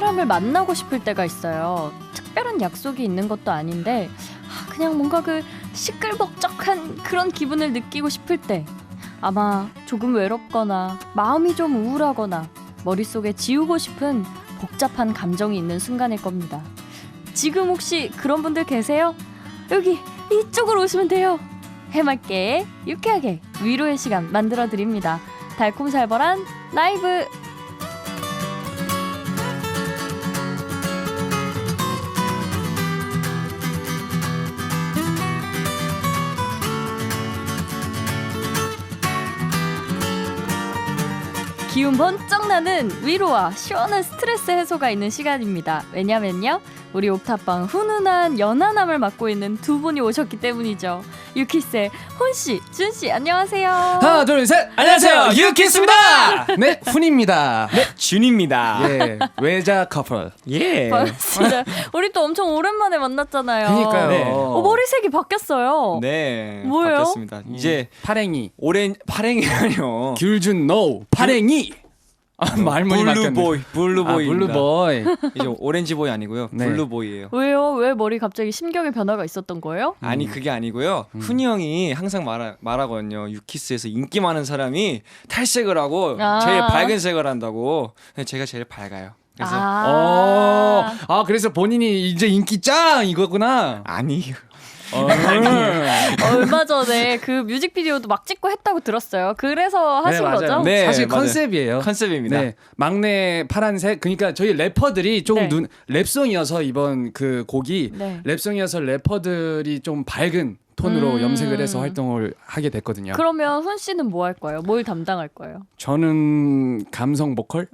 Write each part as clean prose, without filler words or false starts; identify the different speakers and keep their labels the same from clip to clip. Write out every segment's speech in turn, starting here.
Speaker 1: 사람을 만나고 싶을 때가 있어요. 특별한 약속이 있는 것도 아닌데 그냥 뭔가 그 시끌벅적한 그런 기분을 느끼고 싶을 때 아마 조금 외롭거나 마음이 좀 우울하거나 머릿속에 지우고 싶은 복잡한 감정이 있는 순간일 겁니다. 지금 혹시 그런 분들 계세요? 여기 이쪽으로 오시면 돼요. 해맑게 유쾌하게 위로의 시간 만들어드립니다. 달콤살벌한 라이브. 기운 번쩍 나는 위로와 시원한 스트레스 해소가 있는 시간입니다. 왜냐면요, 우리 옥탑방 훈훈한 연하남을 맡고 있는 두 분이 오셨기 때문이죠. 유키스의 훈씨, 준씨 안녕하세요.
Speaker 2: 하나 둘 셋 안녕하세요 유키스입니다. 네 훈입니다.
Speaker 3: 네 준입니다.
Speaker 2: 예 외자 커플.
Speaker 3: 예.
Speaker 1: 반갑습니다. 우리 또 엄청 오랜만에 만났잖아요.
Speaker 2: 그러니까요.
Speaker 3: 네.
Speaker 1: 머리색이 바뀌었어요.
Speaker 3: 네.
Speaker 1: 뭐예요?
Speaker 3: 바뀌었습니다. 이제
Speaker 2: 파랭이
Speaker 3: 파랭이라뇨.
Speaker 2: 귤준 노 파랭이. 말문이 막혔네.
Speaker 3: 블루보이.
Speaker 2: 블루보이.
Speaker 3: 이제 오렌지보이 아니고요.
Speaker 2: 네.
Speaker 3: 블루보이예요.
Speaker 1: 왜요? 왜 머리 갑자기 심경의 변화가 있었던 거예요?
Speaker 3: 아니 그게 아니고요. 훈이 형이 항상 말하거든요. 유키스에서 인기 많은 사람이 탈색을 하고 제일 밝은 색을 한다고. 근데 제가 제일 밝아요. 그래서
Speaker 2: 그래서 본인이 이제 인기 짱 이거구나.
Speaker 3: 아니요.
Speaker 1: 얼마 전에 그 뮤직비디오도 막 찍고 했다고 들었어요. 그래서 하신
Speaker 2: 맞아요.
Speaker 1: 거죠?
Speaker 3: 네,
Speaker 2: 사실
Speaker 3: 맞아요.
Speaker 2: 컨셉이에요.
Speaker 3: 컨셉입니다.
Speaker 2: 네, 막내 파란색. 그러니까 저희 래퍼들이 조금
Speaker 1: 네.
Speaker 2: 랩송이어서 이번 그 곡이
Speaker 1: 네.
Speaker 2: 랩송이어서 래퍼들이 좀 밝은 톤으로 염색을 해서 활동을 하게 됐거든요.
Speaker 1: 그러면 훈 씨는 뭐 할 거예요? 뭘 담당할 거예요?
Speaker 2: 저는 감성 보컬.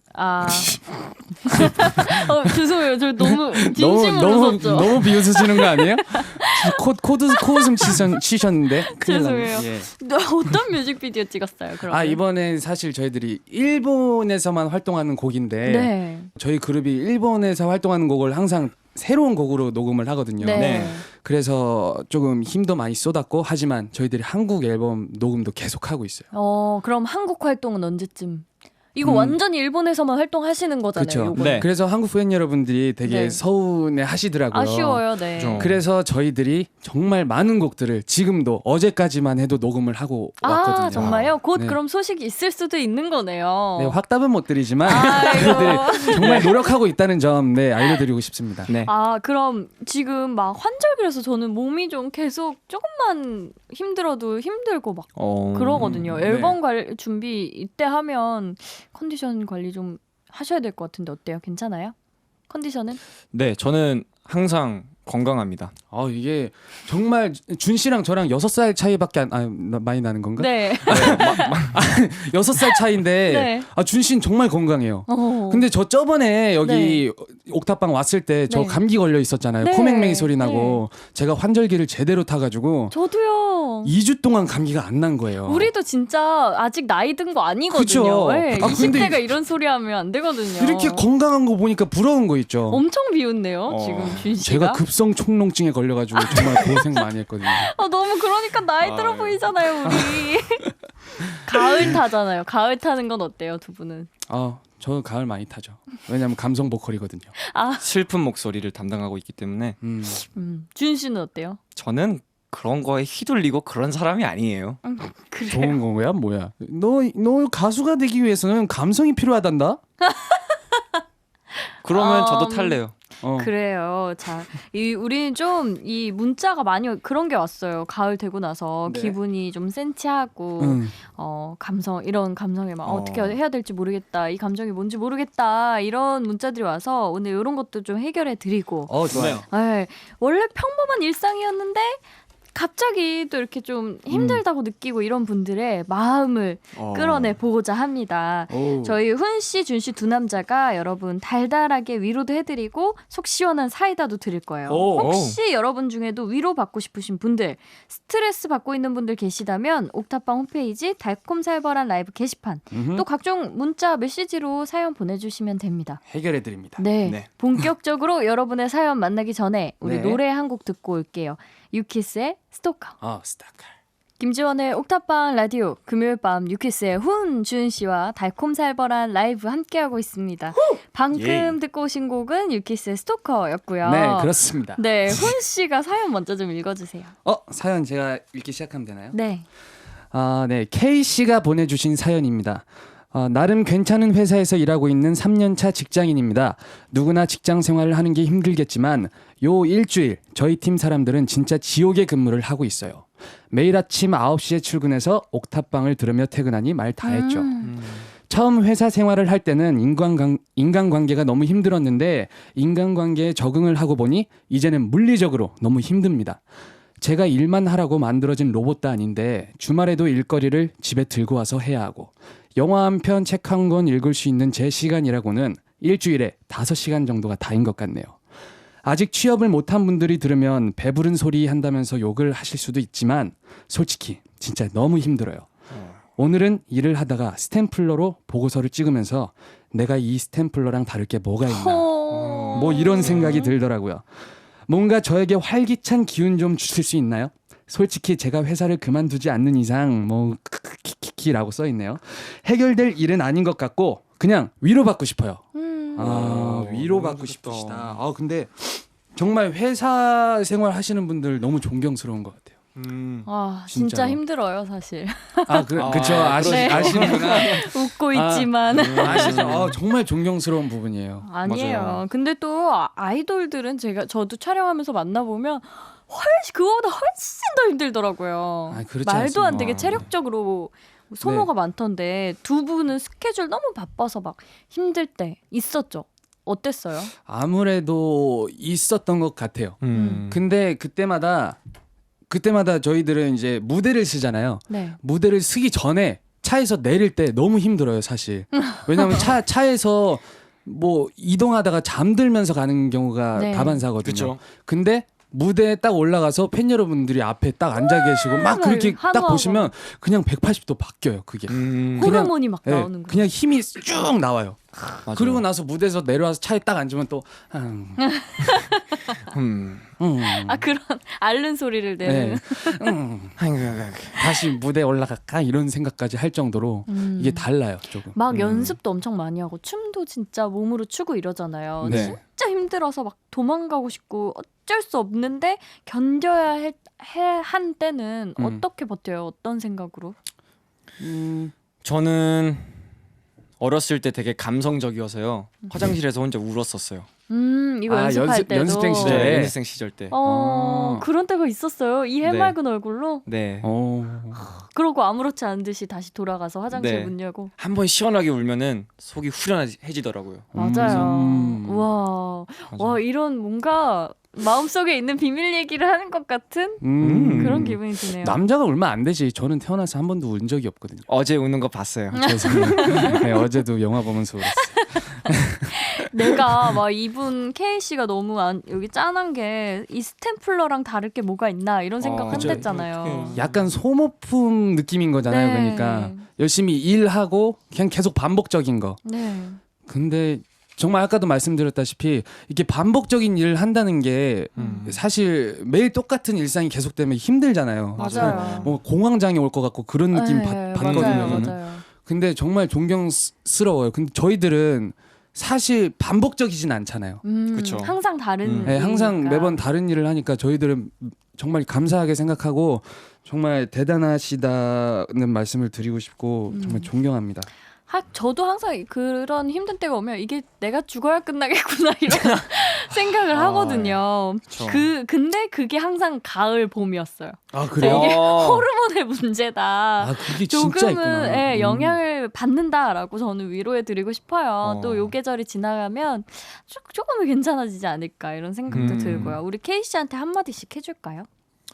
Speaker 1: 죄송해요. 저 너무 진심으로 웃었죠.
Speaker 2: 너무 비웃으시는 거 아니에요? 코웃음 치셨는데. 큰일 났네.
Speaker 1: 죄송해요.
Speaker 2: 예.
Speaker 1: 어떤 뮤직비디오 찍었어요? 그러면?
Speaker 2: 이번에 사실 저희들이 일본에서만 활동하는 곡인데
Speaker 1: 네.
Speaker 2: 저희 그룹이 일본에서 활동하는 곡을 항상 새로운 곡으로 녹음을 하거든요.
Speaker 1: 네.
Speaker 3: 네.
Speaker 2: 그래서 조금 힘도 많이 쏟았고 하지만 저희들이 한국 앨범 녹음도 계속 하고 있어요.
Speaker 1: 그럼 한국 활동은 언제쯤? 이거 완전히 일본에서만 활동하시는 거잖아요.
Speaker 2: 그렇죠.
Speaker 1: 요거는.
Speaker 3: 네.
Speaker 2: 그래서 한국 팬 여러분들이 되게
Speaker 1: 네.
Speaker 2: 서운해 하시더라고요.
Speaker 1: 아쉬워요. 네.
Speaker 3: 좀.
Speaker 2: 그래서 저희들이 정말 많은 곡들을 지금도 어제까지만 해도 녹음을 하고 왔거든요.
Speaker 1: 정말요? 곧
Speaker 2: 네.
Speaker 1: 그럼 소식이 있을 수도 있는 거네요.
Speaker 2: 네, 확답은 못 드리지만
Speaker 1: 아이고.
Speaker 2: 저희들이 정말 노력하고 있다는 점 알려드리고 싶습니다.
Speaker 3: 네.
Speaker 1: 그럼 지금 막 환절기라서 저는 몸이 좀 계속 조금만 힘들어도 힘들고 막 그러거든요. 앨범 준비 이때 하면 컨디션 관리 좀 하셔야 될 것 같은데 어때요? 괜찮아요? 컨디션은?
Speaker 3: 네, 저는 항상 건강합니다.
Speaker 2: 이게 정말 준 씨랑 저랑 6살 차이밖에 많이 나는 건가?
Speaker 1: 네.
Speaker 2: 6살 차이인데
Speaker 1: 네.
Speaker 2: 준 씨는 정말 건강해요. 근데 저 저번에 여기 옥탑방 왔을 때 저
Speaker 1: 네.
Speaker 2: 감기 걸려 있었잖아요.
Speaker 1: 네.
Speaker 2: 코맹맹이 소리 나고 제가 환절기를 제대로 타가지고
Speaker 1: 저도요.
Speaker 2: 2주 동안 감기가 안 난 거예요.
Speaker 1: 우리도 진짜 아직 나이 든 거 아니거든요.
Speaker 2: 그쵸?
Speaker 1: 네,
Speaker 2: 근데
Speaker 1: 20대가 이런 소리 하면 안 되거든요.
Speaker 2: 이렇게 건강한 거 보니까 부러운 거 있죠.
Speaker 1: 엄청 비웃네요. 지금 준 씨가.
Speaker 2: 제가 급성 총농증에 걸려가지고 정말 고생 많이 했거든요.
Speaker 1: 너무 그러니까 나이 들어 보이잖아요, 우리. 가을 타잖아요. 가을 타는 건 어때요, 두 분은?
Speaker 2: 저 가을 많이 타죠. 왜냐면 감성 보컬이거든요.
Speaker 3: 슬픈 목소리를 담당하고 있기 때문에
Speaker 1: 준 씨는 어때요?
Speaker 3: 저는 그런 거에 휘둘리고 그런 사람이 아니에요.
Speaker 1: 그래요.
Speaker 2: 좋은 거야 뭐야? 너 가수가 되기 위해서는 감성이 필요하단다.
Speaker 3: 그러면 저도 탈래요.
Speaker 1: 그래요. 자, 우리는 좀 이 문자가 많이 그런 게 왔어요. 가을 되고 나서
Speaker 2: 네.
Speaker 1: 기분이 좀 센치하고 이런 감성에 막 어떻게 해야 될지 모르겠다. 이 감정이 뭔지 모르겠다. 이런 문자들이 와서 오늘 이런 것도 좀 해결해 드리고.
Speaker 2: 좋아요.
Speaker 1: 네, 원래 평범한 일상이었는데 갑자기 또 이렇게 좀 힘들다고 느끼고 이런 분들의 마음을 끌어내 보고자 합니다. 저희 훈 씨, 준 씨 두 남자가 여러분 달달하게 위로도 해드리고 속 시원한 사이다도 드릴 거예요. 혹시 여러분 중에도 위로받고 싶으신 분들, 스트레스 받고 있는 분들 계시다면 옥탑방 홈페이지 달콤살벌한 라이브 게시판 또 각종 문자 메시지로 사연 보내주시면 됩니다.
Speaker 2: 해결해드립니다.
Speaker 1: 네. 본격적으로 여러분의 사연 만나기 전에 우리
Speaker 2: 네.
Speaker 1: 노래 한 곡 듣고 올게요. 유키스의 스토커.
Speaker 2: 스타카.
Speaker 1: 김지원의 옥탑방 라디오 금요일 밤 유키스의 훈준 씨와 달콤살벌한 라이브 함께하고 있습니다. 방금 듣고 오신 곡은 유키스의 스토커였고요.
Speaker 2: 네, 그렇습니다.
Speaker 1: 네, 훈 씨가 사연 먼저 좀 읽어주세요.
Speaker 2: 사연 제가 읽기 시작하면 되나요?
Speaker 1: 네.
Speaker 2: 네, K 씨가 보내주신 사연입니다. 나름 괜찮은 회사에서 일하고 있는 3년차 직장인입니다. 누구나 직장 생활을 하는 게 힘들겠지만 요 일주일 저희 팀 사람들은 진짜 지옥의 근무를 하고 있어요. 매일 아침 9시에 출근해서 옥탑방을 들으며 퇴근하니 말 다 했죠. 처음 회사 생활을 할 때는 인간관계가 너무 힘들었는데 인간관계에 적응을 하고 보니 이제는 물리적으로 너무 힘듭니다. 제가 일만 하라고 만들어진 로봇도 아닌데 주말에도 일거리를 집에 들고 와서 해야 하고 영화 한 편, 책 한 권 읽을 수 있는 제 시간이라고는 일주일에 5시간 정도가 다인 것 같네요. 아직 취업을 못한 분들이 들으면 배부른 소리 한다면서 욕을 하실 수도 있지만 솔직히 진짜 너무 힘들어요. 오늘은 일을 하다가 스탬플러로 보고서를 찍으면서 내가 이 스탬플러랑 다를 게 뭐가 있나 뭐 이런 생각이 들더라고요. 뭔가 저에게 활기찬 기운 좀 주실 수 있나요? 솔직히 제가 회사를 그만두지 않는 이상 뭐 키키키라고 써있네요. 해결될 일은 아닌 것 같고 그냥 위로받고 싶어요. 위로받고 싶으시다. 근데 정말 회사 생활 하시는 분들 너무 존경스러운 것 같아요.
Speaker 1: 진짜
Speaker 2: 진짜로.
Speaker 1: 힘들어요 사실.
Speaker 2: 그쵸. 아시는구나.
Speaker 1: 웃고 있지만.
Speaker 2: 아시죠? 정말 존경스러운 부분이에요.
Speaker 1: 아니에요.
Speaker 3: 맞아요.
Speaker 1: 근데 또 아이돌들은 저도 촬영하면서 만나보면 그거보다 훨씬 더 힘들더라고요.
Speaker 2: 그렇지
Speaker 1: 말도 안 되게
Speaker 2: 않습니다.
Speaker 1: 체력적으로 소모가 많던데 두 분은 스케줄 너무 바빠서 막 힘들 때 있었죠? 어땠어요?
Speaker 2: 아무래도 있었던 것 같아요. 근데 그때마다 저희들은 이제 무대를 쓰잖아요.
Speaker 1: 네.
Speaker 2: 무대를 쓰기 전에 차에서 내릴 때 너무 힘들어요, 사실. 왜냐하면 차에서 뭐 이동하다가 잠들면서 가는 경우가
Speaker 1: 네.
Speaker 2: 다반사거든요.
Speaker 3: 그쵸.
Speaker 2: 근데 무대에 딱 올라가서 팬 여러분들이 앞에 딱 앉아 계시고 막 그렇게 딱
Speaker 1: 한우하고.
Speaker 2: 보시면 그냥 180도 바뀌어요, 그게.
Speaker 1: 호르몬이 막
Speaker 2: 네,
Speaker 1: 나오는 거예요.
Speaker 2: 그냥 힘이 쭉 나와요.
Speaker 3: 맞아요.
Speaker 2: 그리고 나서 무대에서 내려와서 차에 딱 앉으면 또
Speaker 1: 그런 앓는 소리를 내는.
Speaker 2: 다시 무대에 올라갈까 이런 생각까지 할 정도로 이게 달라요, 조금.
Speaker 1: 막 연습도 엄청 많이 하고 춤도 진짜 몸으로 추고 이러잖아요.
Speaker 2: 네.
Speaker 1: 진짜 힘들어서 막 도망가고 싶고 어쩔 수 없는데 견뎌야 한 때는 어떻게 버텨요? 어떤 생각으로?
Speaker 3: 저는 어렸을 때 되게 감성적이어서요. 화장실에서 혼자 울었었어요.
Speaker 1: 이거 연습할 때도.
Speaker 2: 연습생 시절에?
Speaker 3: 네, 연습생 시절 때.
Speaker 1: 그런 때가 있었어요. 이 해맑은 얼굴로.
Speaker 3: 네.
Speaker 1: 그러고 아무렇지 않은 듯이 다시 돌아가서 화장실
Speaker 3: 네.
Speaker 1: 문 열고.
Speaker 3: 한 번 시원하게 울면은 속이 후련해지더라고요.
Speaker 1: 맞아요. 와 이런 뭔가 마음속에 있는 비밀 얘기를 하는 것 같은 그런 기분이 드네요.
Speaker 2: 남자가 울면 안 되지. 저는 태어나서 한 번도 운 적이 없거든요.
Speaker 3: 어제 우는 거 봤어요.
Speaker 2: 죄송해요. 네, 어제도 영화 보면서 울었어요.
Speaker 1: 내가 막 이분 K 씨가 너무 여기 짠한 게 이 스탬플러랑 다를 게 뭐가 있나 이런 생각
Speaker 3: 그쵸.
Speaker 1: 한댔잖아요.
Speaker 2: 약간 소모품 느낌인 거잖아요.
Speaker 1: 네.
Speaker 2: 그러니까 열심히 일하고 그냥 계속 반복적인 거.
Speaker 1: 네.
Speaker 2: 근데 정말 아까도 말씀드렸다시피 이렇게 반복적인 일을 한다는 게 사실 매일 똑같은 일상이 계속되면 힘들잖아요.
Speaker 1: 맞아요.
Speaker 2: 뭐 공황장애 올 것 같고 그런 느낌
Speaker 1: 네,
Speaker 2: 받거든요.
Speaker 1: 맞아요,
Speaker 2: 저는.
Speaker 1: 맞아요.
Speaker 2: 근데 정말 존경스러워요. 근데 저희들은 사실 반복적이진 않잖아요.
Speaker 3: 그쵸.
Speaker 1: 항상 다른.
Speaker 2: 네, 항상
Speaker 1: 일이니까.
Speaker 2: 매번 다른 일을 하니까 저희들은 정말 감사하게 생각하고 정말 대단하시다는 말씀을 드리고 싶고 정말 존경합니다.
Speaker 1: 저도 항상 그런 힘든 때가 오면 이게 내가 죽어야 끝나겠구나 이런 생각을 하거든요.
Speaker 3: 그쵸.
Speaker 1: 근데 그게 항상 가을 봄이었어요.
Speaker 2: 아
Speaker 1: 이게
Speaker 3: 어.
Speaker 1: 호르몬의 문제다.
Speaker 2: 그게 진짜 있구나.
Speaker 1: 조금은 영향을 받는다라고 저는 위로해 드리고 싶어요. 또 요 계절이 지나가면 조금은 괜찮아지지 않을까 이런 생각도 들고요. 우리 케이 씨한테 한마디씩 해줄까요?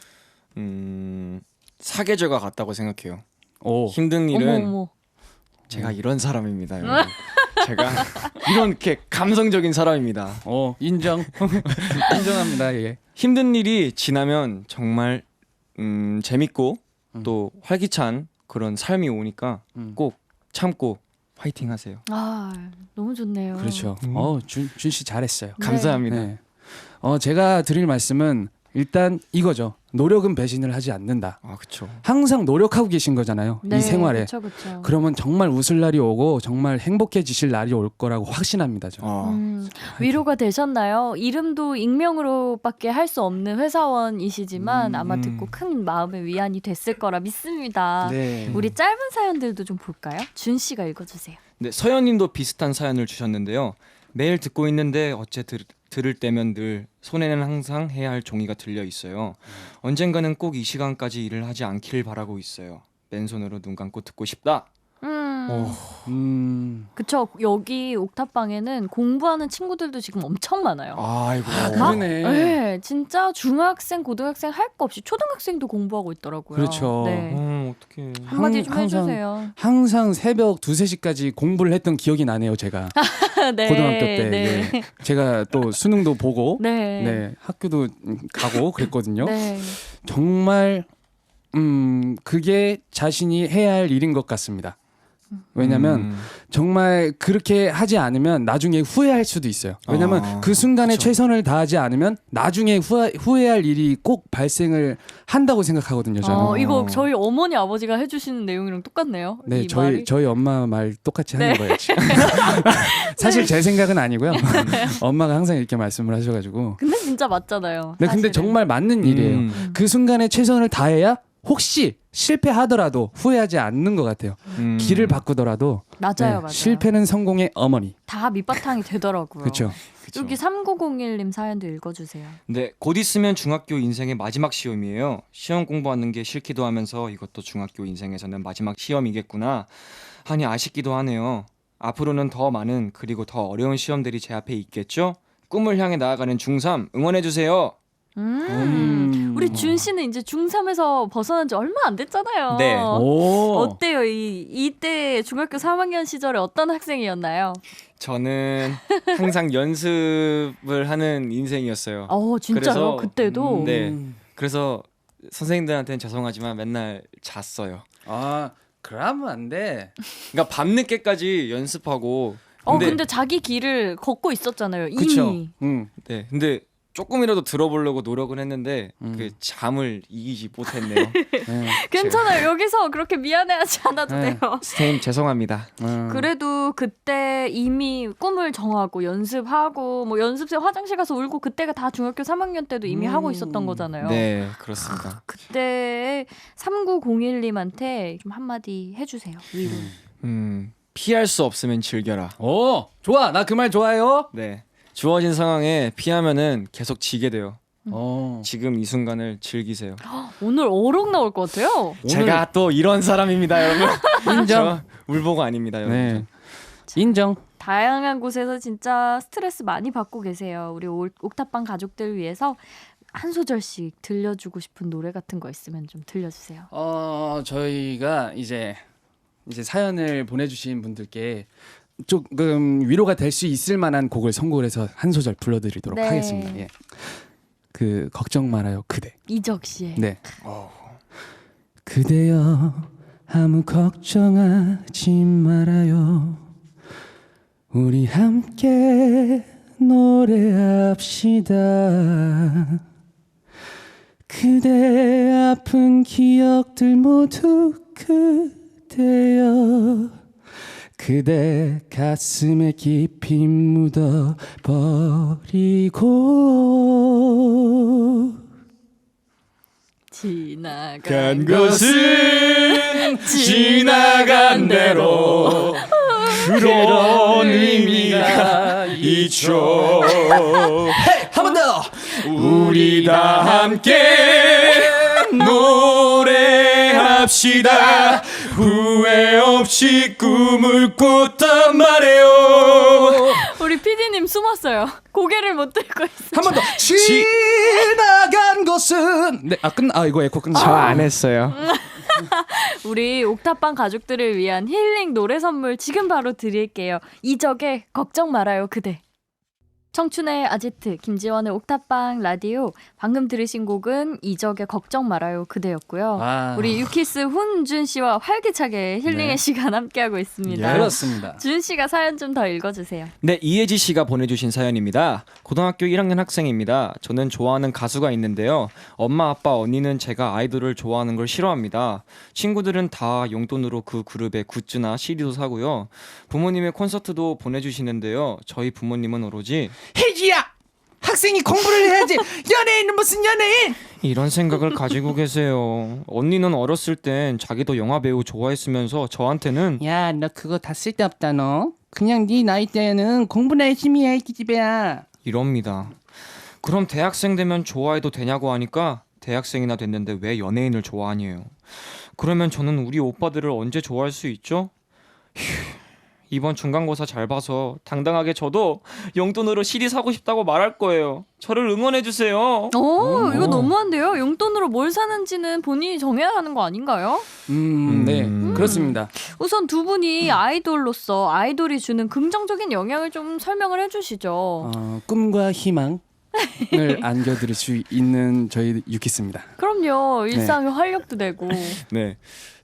Speaker 3: 사계절과 같다고 생각해요.
Speaker 2: 오.
Speaker 3: 힘든 일은
Speaker 1: 어머.
Speaker 3: 제가 이런 사람입니다. 여러분. 제가 이렇게 감성적인 사람입니다.
Speaker 2: 인정. 인정합니다. 예.
Speaker 3: 힘든 일이 지나면 정말 재밌고 또 활기찬 그런 삶이 오니까 꼭 참고 화이팅 하세요.
Speaker 1: 너무 좋네요.
Speaker 2: 그렇죠. 준 씨 잘했어요.
Speaker 3: 감사합니다.
Speaker 2: 네. 제가 드릴 말씀은 일단 이거죠. 노력은 배신을 하지 않는다.
Speaker 3: 아, 그렇죠.
Speaker 2: 항상 노력하고 계신 거잖아요.
Speaker 1: 네,
Speaker 2: 이 생활에.
Speaker 1: 그쵸, 그쵸.
Speaker 2: 그러면 정말 웃을 날이 오고 정말 행복해지실 날이 올 거라고 확신합니다. 저.
Speaker 1: 위로가 되셨나요? 이름도 익명으로밖에 할 수 없는 회사원이시지만 아마 듣고 큰 마음의 위안이 됐을 거라 믿습니다.
Speaker 2: 네.
Speaker 1: 우리 짧은 사연들도 좀 볼까요? 준 씨가 읽어주세요.
Speaker 3: 네, 서현님도 비슷한 사연을 주셨는데요. 매일 듣고 있는데 어째 들을 때면 늘 손에는 항상 해야 할 종이가 들려 있어요. 언젠가는 꼭 이 시간까지 일을 하지 않길 바라고 있어요. 맨손으로 눈 감고 듣고 싶다.
Speaker 1: 그쵸. 여기 옥탑방에는 공부하는 친구들도 지금 엄청 많아요.
Speaker 3: 아이고.
Speaker 2: 그러네.
Speaker 1: 네, 진짜 중학생, 고등학생 할 거 없이 초등학생도 공부하고 있더라고요.
Speaker 2: 그렇죠.
Speaker 1: 네.
Speaker 3: 어떡해.
Speaker 1: 한마디 좀
Speaker 2: 항상-
Speaker 1: 해주세요.
Speaker 2: 항상 새벽 2-3시까지 공부를 했던 기억이 나네요. 제가
Speaker 1: 네,
Speaker 2: 고등학교 때
Speaker 1: 네.
Speaker 2: 예. 제가 또 수능도 보고
Speaker 1: 네.
Speaker 2: 네, 학교도 가고 그랬거든요.
Speaker 1: 네.
Speaker 2: 정말 그게 자신이 해야 할 일인 것 같습니다. 왜냐면 정말 그렇게 하지 않으면 나중에 후회할 수도 있어요. 왜냐면 그 순간에
Speaker 3: 그쵸.
Speaker 2: 최선을 다하지 않으면 나중에 후회할 일이 꼭 발생을 한다고 생각하거든요. 저는.
Speaker 1: 이거 저희 어머니 아버지가 해주시는 내용이랑 똑같네요.
Speaker 2: 네,
Speaker 1: 이 말이.
Speaker 2: 저희 엄마 말 똑같이 하는
Speaker 1: 네.
Speaker 2: 거예요. 지금. 사실 제 생각은 아니고요. 엄마가 항상 이렇게 말씀을 하셔가지고.
Speaker 1: 근데 진짜 맞잖아요.
Speaker 2: 네, 근데
Speaker 1: 사실은.
Speaker 2: 정말 맞는 일이에요. 그 순간에 최선을 다해야 혹시 실패하더라도 후회하지 않는 것 같아요. 길을 바꾸더라도
Speaker 1: 맞아요, 맞아요.
Speaker 2: 실패는 성공의 어머니.
Speaker 1: 다 밑바탕이 되더라고요.
Speaker 2: 그렇죠.
Speaker 1: 여기 3901님 사연도 읽어주세요.
Speaker 3: 네, 곧 있으면 중학교 인생의 마지막 시험이에요. 시험 공부하는 게 싫기도 하면서 이것도 중학교 인생에서는 마지막 시험이겠구나 하니 아쉽기도 하네요. 앞으로는 더 많은 그리고 더 어려운 시험들이 제 앞에 있겠죠? 꿈을 향해 나아가는 중3 응원해주세요.
Speaker 1: 우리 준 씨는 이제 중3에서 벗어난 지 얼마 안 됐잖아요.
Speaker 3: 네.
Speaker 2: 오.
Speaker 1: 어때요? 이때 중학교 3학년 시절에 어떤 학생이었나요?
Speaker 3: 저는 항상 연습을 하는 인생이었어요.
Speaker 1: 진짜요?
Speaker 3: 그래서,
Speaker 1: 그때도?
Speaker 3: 네. 그래서 선생님들한테는 죄송하지만 맨날 잤어요.
Speaker 2: 아, 그러면 안 돼.
Speaker 3: 그러니까 밤늦게까지 연습하고.
Speaker 1: 근데 자기 길을 걷고 있었잖아요.
Speaker 2: 그렇죠.
Speaker 1: 이미.
Speaker 3: 네, 근데 조금이라도 들어보려고 노력은 했는데 그 잠을 이기지 못했네요.
Speaker 2: 네.
Speaker 1: 괜찮아요. 여기서 그렇게 미안해하지 않아도
Speaker 2: 네.
Speaker 1: 돼요.
Speaker 3: 스테임 죄송합니다.
Speaker 1: 그래도 그때 이미 꿈을 정하고 연습하고 뭐 연습생 화장실 가서 울고 그때가 다 중학교 3학년 때도 이미 하고 있었던 거잖아요.
Speaker 3: 네, 그렇습니다.
Speaker 1: 그때 3901님한테 좀 한마디 해주세요. 위로.
Speaker 3: 피할 수 없으면 즐겨라.
Speaker 2: 오, 좋아. 나 그 말 좋아요.
Speaker 3: 네, 주어진 상황에 피하면은 계속 지게 돼요.
Speaker 2: 어.
Speaker 3: 지금 이 순간을 즐기세요.
Speaker 1: 오늘 어록 나올 것 같아요.
Speaker 3: 제가 또 이런 사람입니다, 여러분.
Speaker 2: 인정.
Speaker 3: 저 울보가 아닙니다, 여러분.
Speaker 2: 네. 인정.
Speaker 1: 다양한 곳에서 진짜 스트레스 많이 받고 계세요. 우리 옥탑방 가족들 위해서 한 소절씩 들려주고 싶은 노래 같은 거 있으면 좀 들려주세요.
Speaker 2: 저희가 이제 사연을 보내주신 분들께 조금 위로가 될 수 있을 만한 곡을 선곡을 해서 한 소절 불러드리도록
Speaker 1: 네.
Speaker 2: 하겠습니다. 예. 그 걱정 말아요 그대.
Speaker 1: 이적 씨의.
Speaker 2: 네. 그대여 아무 걱정하지 말아요. 우리 함께 노래합시다. 그대 아픈 기억들 모두 그대여 그대 가슴에 깊이 묻어버리고
Speaker 1: 지나간
Speaker 3: 것은 지나간 대로 그런 의미가 있죠.
Speaker 2: 한 번 더.
Speaker 3: 우리 다 함께 노래합시다. 후회 없이 꿈을 꿨단 말이에요.
Speaker 1: 우리 PD님 숨었어요. 고개를 못 들고 있어요.
Speaker 2: 한 번 더. 지나간 것은 이거 에코 끝나.
Speaker 3: 저 안 했어요.
Speaker 1: 우리 옥탑방 가족들을 위한 힐링 노래 선물 지금 바로 드릴게요. 이적의 걱정 말아요 그대. 청춘의 아지트, 김지원의 옥탑방 라디오. 방금 들으신 곡은 이적의 걱정 말아요 그대였고요.
Speaker 2: 아,
Speaker 1: 우리 유키스 훈준 씨와 활기차게 힐링의
Speaker 2: 네.
Speaker 1: 시간 함께하고 있습니다.
Speaker 2: 그렇습니다.
Speaker 1: 준 씨가 사연 좀 더 읽어주세요.
Speaker 3: 네, 이혜지 씨가 보내주신 사연입니다. 고등학교 1학년 학생입니다. 저는 좋아하는 가수가 있는데요. 엄마, 아빠, 언니는 제가 아이돌을 좋아하는 걸 싫어합니다. 친구들은 다 용돈으로 그 그룹의 굿즈나 CD도 사고요. 부모님의 콘서트도 보내주시는데요. 저희 부모님은 오로지
Speaker 2: 혜지야, 학생이 공부를 해야지. 연예인은 무슨 연예인?
Speaker 3: 이런 생각을 가지고 계세요. 언니는 어렸을 땐 자기도 영화 배우 좋아했으면서 저한테는
Speaker 2: 야, 너 그거 다 쓸데없다 너. 그냥 네 나이 때는 공부나 열심히 해, 기집애야.
Speaker 3: 이럽니다. 그럼 대학생 되면 좋아해도 되냐고 하니까 대학생이나 됐는데 왜 연예인을 좋아하니요? 그러면 저는 우리 오빠들을 언제 좋아할 수 있죠? 휴, 이번 중간고사 잘 봐서 당당하게 저도 용돈으로 CD 사고 싶다고 말할 거예요. 저를 응원해 주세요.
Speaker 1: 오, 이거 너무한데요? 용돈으로 뭘 사는지는 본인이 정해야 하는 거 아닌가요?
Speaker 2: 네, 그렇습니다.
Speaker 1: 우선 두 분이 아이돌로서 아이돌이 주는 긍정적인 영향을 좀 설명을 해주시죠.
Speaker 2: 꿈과 희망을 안겨드릴 수 있는 저희 유키스입니다.
Speaker 1: 그럼요. 일상에 활력도 되고.
Speaker 3: 네,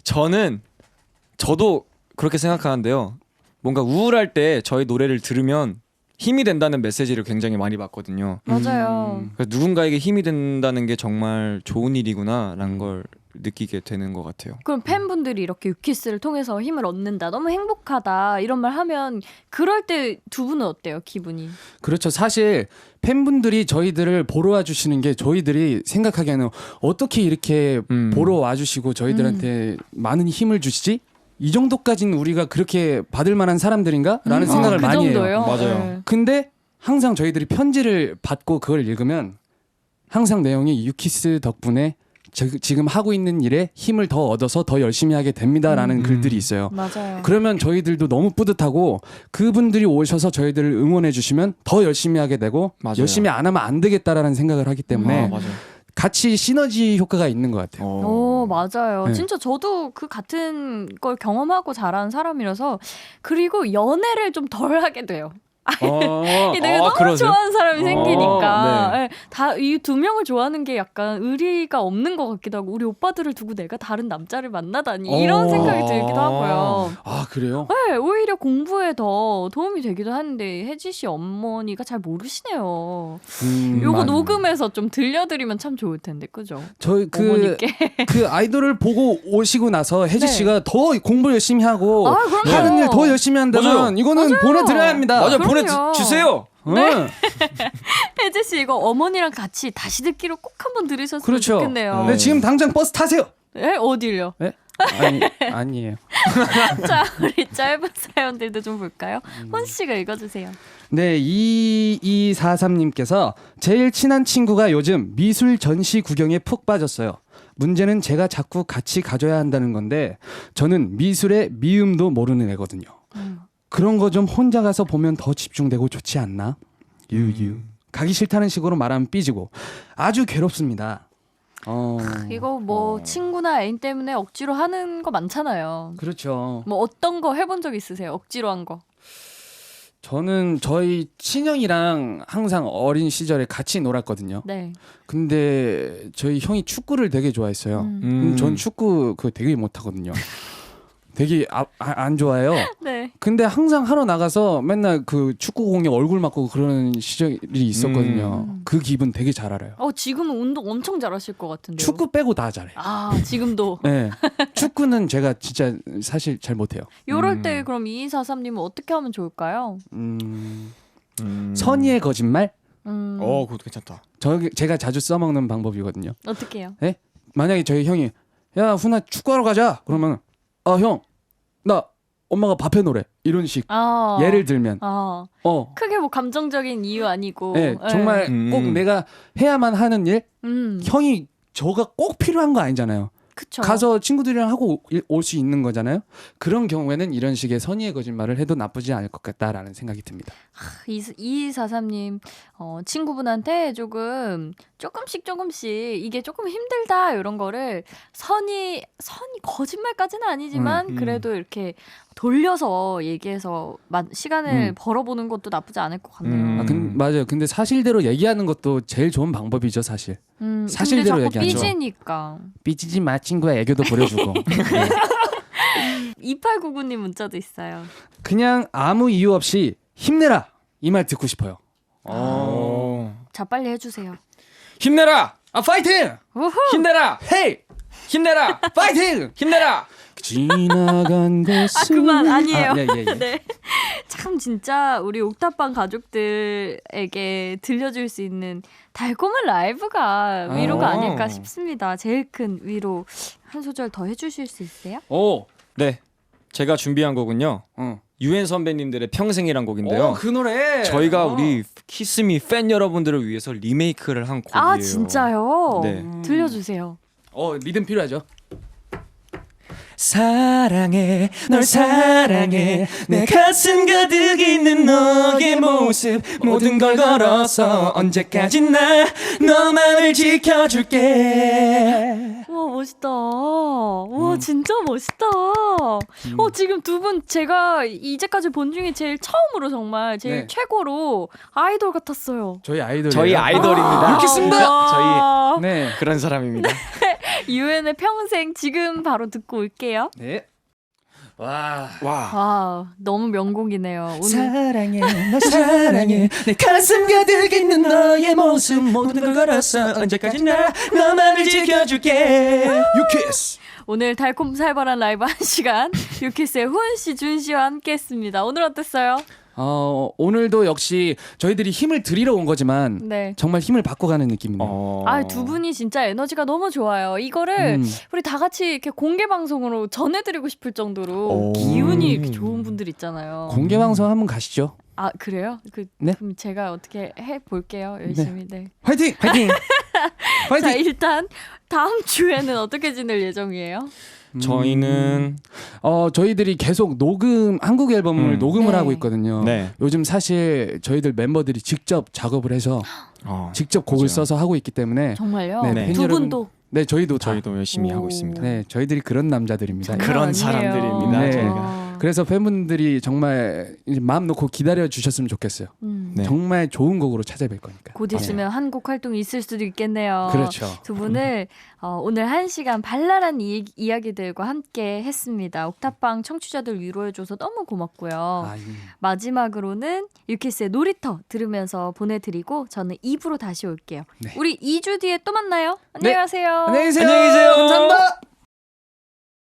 Speaker 3: 저도 그렇게 생각하는데요. 뭔가 우울할 때 저희 노래를 들으면 힘이 된다는 메시지를 굉장히 많이 받거든요.
Speaker 1: 맞아요.
Speaker 3: 그래서 누군가에게 힘이 된다는 게 정말 좋은 일이구나라는 걸 느끼게 되는 것 같아요.
Speaker 1: 그럼 팬분들이 이렇게 유키스를 통해서 힘을 얻는다, 너무 행복하다 이런 말 하면 그럴 때 두 분은 어때요, 기분이?
Speaker 2: 그렇죠. 사실 팬분들이 저희들을 보러 와주시는 게 저희들이 생각하기에는 어떻게 이렇게 보러 와주시고 저희들한테 많은 힘을 주시지? 이 정도까지는 우리가 그렇게 받을 만한 사람들인가? 라는 생각을
Speaker 1: 그
Speaker 2: 많이
Speaker 1: 정도요?
Speaker 2: 해요.
Speaker 3: 맞아요.
Speaker 1: 네.
Speaker 2: 근데 항상 저희들이 편지를 받고 그걸 읽으면 항상 내용이 유키스 덕분에 지금 하고 있는 일에 힘을 더 얻어서 더 열심히 하게 됩니다라는 글들이 있어요.
Speaker 1: 맞아요.
Speaker 2: 그러면 저희들도 너무 뿌듯하고 그분들이 오셔서 저희들을 응원해 주시면 더 열심히 하게 되고
Speaker 3: 맞아요.
Speaker 2: 열심히 안 하면 안 되겠다라는 생각을 하기 때문에
Speaker 3: 맞아요.
Speaker 2: 같이 시너지 효과가 있는 것 같아요.
Speaker 1: 오, 맞아요.
Speaker 2: 네.
Speaker 1: 진짜 저도 그 같은 걸 경험하고 자란 사람이라서 그리고 연애를 좀 덜 하게 돼요. 내가 너무
Speaker 3: 그러세요?
Speaker 1: 좋아하는 사람이 생기니까
Speaker 3: 네.
Speaker 1: 네, 다 이 두 명을 좋아하는 게 약간 의리가 없는 것 같기도 하고 우리 오빠들을 두고 내가 다른 남자를 만나다니 이런 생각이 들기도 하고요.
Speaker 2: 아, 그래요?
Speaker 1: 네, 오히려 공부에 더 도움이 되기도 하는데 혜지 씨 어머니가 잘 모르시네요. 요거
Speaker 2: 맞-
Speaker 1: 녹음해서 좀 들려드리면 참 좋을 텐데, 그죠?
Speaker 2: 저희
Speaker 1: 어머니께.
Speaker 2: 그 아이돌을 보고 오시고 나서 혜지
Speaker 1: 네.
Speaker 2: 씨가 더 공부 열심히 하고
Speaker 1: 아, 그럼요.
Speaker 2: 하는 일 더 열심히 한다면
Speaker 3: 맞아요.
Speaker 2: 이거는 보내드려야 합니다.
Speaker 3: 맞아요.
Speaker 1: 그럼요.
Speaker 3: 보내주세요.
Speaker 2: 네.
Speaker 1: 혜지 씨 이거 어머니랑 같이 다시 듣기로 꼭 한번 들으셨으면
Speaker 2: 그렇죠.
Speaker 1: 좋겠네요.
Speaker 2: 네, 지금 당장 버스 타세요.
Speaker 1: 네, 어딜요?
Speaker 2: 네? 아니에요.
Speaker 1: 자, 우리 짧은 사연들도 좀 볼까요? 혼 씨가 읽어주세요.
Speaker 2: 네, 2243님께서 제일 친한 친구가 요즘 미술 전시 구경에 푹 빠졌어요. 문제는 제가 자꾸 같이 가줘야 한다는 건데 저는 미술의 미음도 모르는 애거든요. 그런 거 좀 혼자 가서 보면 더 집중되고 좋지 않나? 유유. 가기 싫다는 식으로 말하면 삐지고 아주 괴롭습니다.
Speaker 1: 이거 뭐 친구나 애인 때문에 억지로 하는 거 많잖아요.
Speaker 2: 그렇죠.
Speaker 1: 뭐 어떤 거 해본 적 있으세요? 억지로 한 거.
Speaker 2: 저는 저희 친형이랑 항상 어린 시절에 같이 놀았거든요.
Speaker 1: 네.
Speaker 2: 근데 저희 형이 축구를 되게 좋아했어요. 전 축구 그거 되게 못하거든요. 되게 안 좋아해요.
Speaker 1: 네.
Speaker 2: 근데 항상 하러 나가서 맨날 그 축구공에 얼굴 맞고 그러는 시절이 있었거든요. 그 기분 되게 잘 알아요.
Speaker 1: 지금은 운동 엄청 잘하실 것 같은데요.
Speaker 2: 축구 빼고 다 잘해요.
Speaker 1: 지금도.
Speaker 2: 네. 축구는 제가 진짜 사실 잘 못해요.
Speaker 1: 요럴 때 그럼 2243님은 어떻게 하면 좋을까요?
Speaker 2: 선의의 거짓말?
Speaker 3: 그것도 괜찮다.
Speaker 2: 제가 자주 써먹는 방법이거든요.
Speaker 1: 어떻게 해요?
Speaker 2: 네? 만약에 저희 형이 야 훈아 축구하러 가자 그러면 형 나 엄마가 밥 해놓으래 이런 식 예를 들면
Speaker 1: 크게 뭐 감정적인 이유 아니고
Speaker 2: 네, 정말 꼭 내가 해야만 하는 일 형이 저가 꼭 필요한 거 아니잖아요.
Speaker 1: 그쵸.
Speaker 2: 가서 친구들이랑 하고 올 수 있는 거잖아요. 그런 경우에는 이런 식의 선의의 거짓말을 해도 나쁘지 않을 것 같다라는 생각이 듭니다.
Speaker 1: 2243님 친구분한테 조금씩 이게 조금 힘들다 이런 거를 선이 거짓말까지는 아니지만 그래도 이렇게 돌려서 얘기해서 시간을 벌어보는 것도 나쁘지 않을 것 같네요.
Speaker 2: 맞아요. 근데 사실대로 얘기하는 것도 제일 좋은 방법이죠, 사실. 사실대로
Speaker 1: 근데 자꾸
Speaker 2: 얘기하죠.
Speaker 1: 삐지니까.
Speaker 2: 삐지지 마 친구야, 애교도 부려주고. 네.
Speaker 1: 2899님 문자도 있어요.
Speaker 2: 그냥 아무 이유 없이 힘내라 이 말 듣고 싶어요.
Speaker 1: 자, 빨리 해주세요.
Speaker 3: 힘내라.
Speaker 2: 파이팅!
Speaker 1: 우후!
Speaker 3: 힘내라.
Speaker 2: 헤이!
Speaker 3: 힘내라.
Speaker 2: 파이팅!
Speaker 3: 힘내라.
Speaker 2: 지나간 것은
Speaker 1: 그만 아니에요.
Speaker 2: 예.
Speaker 1: 네. 참 진짜 우리 옥탑방 가족들에게 들려줄 수 있는 달콤한 라이브가 위로가 아닐까 싶습니다. 제일 큰 위로 한 소절 더 해주실 수 있어요?
Speaker 2: 오.
Speaker 3: 네. 제가 준비한 곡은요. 유엔 선배님들의 평생이란 곡인데요.
Speaker 2: 그 노래.
Speaker 3: 저희가 우리 키스미 팬 여러분들을 위해서 리메이크를 한 곡이에요.
Speaker 1: 아 진짜요?
Speaker 3: 네.
Speaker 1: 들려주세요.
Speaker 2: 리듬 필요하죠.
Speaker 3: 사랑해 널 사랑해 내 가슴 가득 있는 너의 모습 모든 걸 걸어서 언제까지나 너만을 지켜줄게.
Speaker 1: 와 멋있다. 와 진짜 멋있다. 지금 두 분 제가 이제까지 본 중에 제일 처음으로 정말 제일
Speaker 2: 네.
Speaker 1: 최고로 아이돌 같았어요.
Speaker 2: 저희 아이돌.
Speaker 3: 저희 아이돌입니다.
Speaker 2: 이렇겠습니다.
Speaker 3: 저희
Speaker 2: 네.
Speaker 3: 그런 사람입니다.
Speaker 1: 유엔의 평생 지금 바로 듣고 올게요.
Speaker 2: 네. 와.
Speaker 1: 와 너무 명곡이네요. 오늘
Speaker 3: 사랑해 널 사랑해 내 가슴 가득 있는 너의 모습 모든 걸 걸어서 언제까지나 너만을 지켜줄게.
Speaker 2: 유키스.
Speaker 1: 오늘 달콤살벌한 라이브 1시간 유키스의 후은 씨, 준 씨와 함께했습니다. 오늘 어땠어요?
Speaker 2: 오늘도 역시 저희들이 힘을 드리러 온 거지만
Speaker 1: 네.
Speaker 2: 정말 힘을 받고 가는 느낌이네요.
Speaker 1: 두 분이 진짜 에너지가 너무 좋아요. 이거를 우리 다 같이 이렇게 공개 방송으로 전해드리고 싶을 정도로 기운이 이렇게 좋은 분들 있잖아요.
Speaker 2: 공개 방송 한번 가시죠.
Speaker 1: 아 그래요?
Speaker 2: 네.
Speaker 1: 그럼 제가 어떻게 해 볼게요. 열심히. 네.
Speaker 2: 화이팅! 화이팅!
Speaker 1: 자
Speaker 2: 화이팅!
Speaker 1: 일단 다음 주에는 어떻게 지낼 예정이에요?
Speaker 3: 저희는
Speaker 2: 저희들이 계속 한국 앨범을 녹음을
Speaker 1: 네.
Speaker 2: 하고 있거든요.
Speaker 3: 네.
Speaker 2: 요즘 사실 저희들 멤버들이 직접 작업을 해서 직접 곡을
Speaker 3: 맞아요.
Speaker 2: 써서 하고 있기 때문에
Speaker 1: 정말요?
Speaker 2: 네,
Speaker 3: 네.
Speaker 2: 팬
Speaker 1: 두
Speaker 2: 여러분-
Speaker 1: 분도
Speaker 2: 네, 저희도
Speaker 3: 열심히
Speaker 1: 오.
Speaker 3: 하고 있습니다.
Speaker 2: 네, 저희들이 그런 남자들입니다.
Speaker 1: 장난
Speaker 3: 그런
Speaker 1: 아니에요.
Speaker 3: 사람들입니다,
Speaker 2: 네.
Speaker 3: 저희가.
Speaker 2: 그래서 팬분들이 정말 이제 마음 놓고 기다려 주셨으면 좋겠어요.
Speaker 3: 네.
Speaker 2: 정말 좋은 곡으로 찾아뵐 거니까.
Speaker 1: 곧 있으면 한국 활동이 있을 수도 있겠네요.
Speaker 2: 그렇죠.
Speaker 1: 두 분을 오늘 1시간 발랄한 이야기들과 함께 했습니다. 옥탑방 청취자들 위로해줘서 너무 고맙고요. 마지막으로는 유키스의 놀이터 들으면서 보내드리고 저는 2부로 다시 올게요.
Speaker 2: 네.
Speaker 1: 우리 2주 뒤에 또 만나요. 안녕히 가세요.
Speaker 2: 안녕히 계세요.
Speaker 3: 안녕히 계세요.
Speaker 2: 감사합니다.